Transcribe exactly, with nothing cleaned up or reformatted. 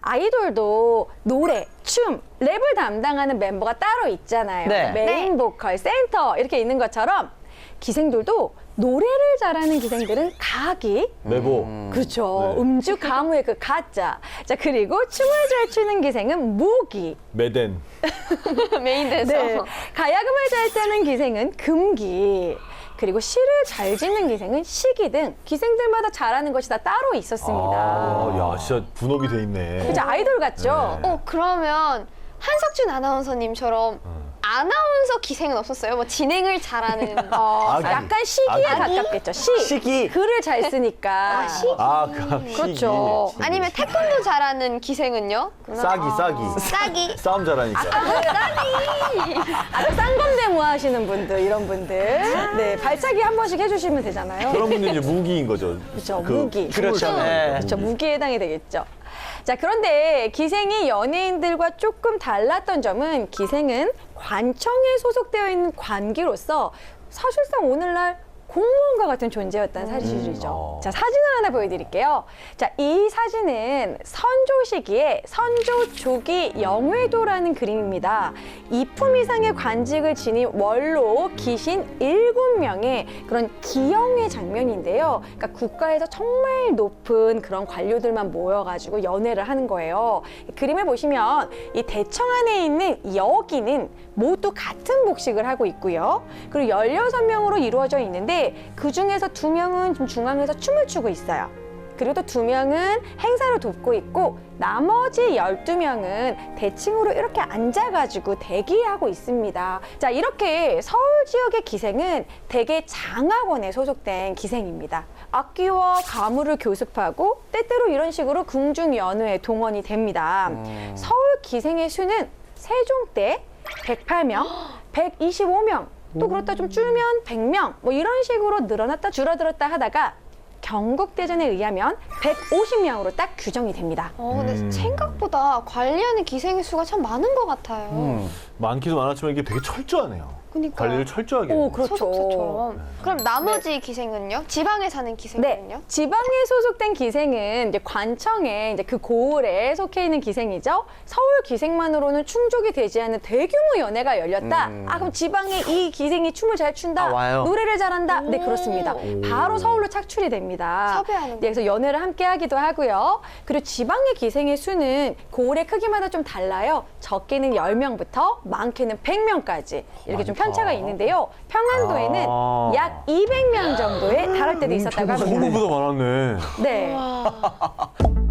아이돌도 노래, 춤, 랩을 담당하는 멤버가 따로 있잖아요. 네. 메인 네. 보컬, 센터 이렇게 있는 것처럼 기생들도 노래를 잘하는 기생들은 가기, 메보. 그렇죠. 네. 음주 가무의 그 가짜. 자, 그리고 춤을 잘 추는 기생은 무기. 메덴. 메인 댄서. 네. 가야금을 잘 타는 기생은 금기. 그리고 시를 잘 짓는 기생은 시기 등 기생들마다 잘하는 것이 다 따로 있었습니다. 아, 야, 진짜 분업이 돼 있네. 그죠? 아이돌 같죠? 네. 어, 그러면 한석준 아나운서님처럼 아나운서 기생은 없었어요? 뭐 진행을 잘하는. 어, 아기. 약간 시기에 아기. 가깝겠죠. 시. 시기. 글을 잘 쓰니까. 아, 시기. 아, 그 그렇죠. 시기. 아니면 태권도 잘하는 기생은요? 싸기, 싸기. 싸기. 싸움 잘하니까. 아까 쌍검대무 하시는 분들, 이런 분들. 네, 발차기 한 번씩 해주시면 되잖아요. 그런 분들이 이제 무기인 거죠. 그렇죠, 그 무기. 춤을 그렇죠. 추는 네. 거죠, 그렇죠. 무기. 무기에 해당이 되겠죠. 자, 그런데 기생이 연예인들과 조금 달랐던 점은 기생은 관청에 소속되어 있는 관기로서 사실상 오늘날 공무원과 같은 존재였다는 사실이죠. 어. 자, 사진을 하나 보여드릴게요. 자, 이 사진은 선조 시기에 선조 조기 영외도라는 그림입니다. 이품 이상의 관직을 지닌 원로 기신 일곱 명의 그런 기영회 장면인데요. 그러니까 국가에서 정말 높은 그런 관료들만 모여가지고 연회를 하는 거예요. 그림을 보시면 이 대청 안에 있는 여기는 모두 같은 복식을 하고 있고요. 그리고 열여섯 명으로 이루어져 있는데 그 중에서 두 명은 좀 중앙에서 춤을 추고 있어요. 그리고 또 두 명은 행사를 돕고 있고 나머지 열두 명은 대칭으로 이렇게 앉아가지고 대기하고 있습니다. 자, 이렇게 서울 지역의 기생은 대개 장학원에 소속된 기생입니다. 악기와 가무를 교습하고 때때로 이런 식으로 궁중연회에 동원이 됩니다. 서울 기생의 수는 세종 때 백팔 명, 백이십오 명, 또 그렇다 좀 줄면 백 명, 뭐 이런 식으로 늘어났다 줄어들었다 하다가 경국대전에 의하면 백오십 명으로 딱 규정이 됩니다. 어, 근데 음. 생각보다 관리하는 기생의 수가 참 많은 것 같아요. 음, 많기도 많았지만 이게 되게 철저하네요. 그러니까요. 관리를 철저하게. 오, 해요. 그렇죠. 소속사처럼. 그럼 나머지 기생은요? 지방에 사는 네, 기생은요? 지방에 소속된 기생은 이제 관청에 이제 그 고을에 속해 있는 기생이죠. 서울 기생만으로는 충족이 되지 않는 대규모 연회가 열렸다. 음. 아, 그럼 지방에 이 기생이 춤을 잘 춘다, 아, 와요? 노래를 잘한다. 네, 오. 그렇습니다. 바로 서울로 착출이 됩니다. 섭외하는 네, 그래서 연회를 함께 하기도 하고요. 그리고 지방의 기생의 수는 고을의 크기마다 좀 달라요. 적게는 열 명부터 많게는 백 명까지 이렇게 좀 많다. 편차가 있는데요. 평안도에는 아. 약 이백 명 정도에 달할 때도 있었다고 합니다. 서울보다 많았네. 네. 와.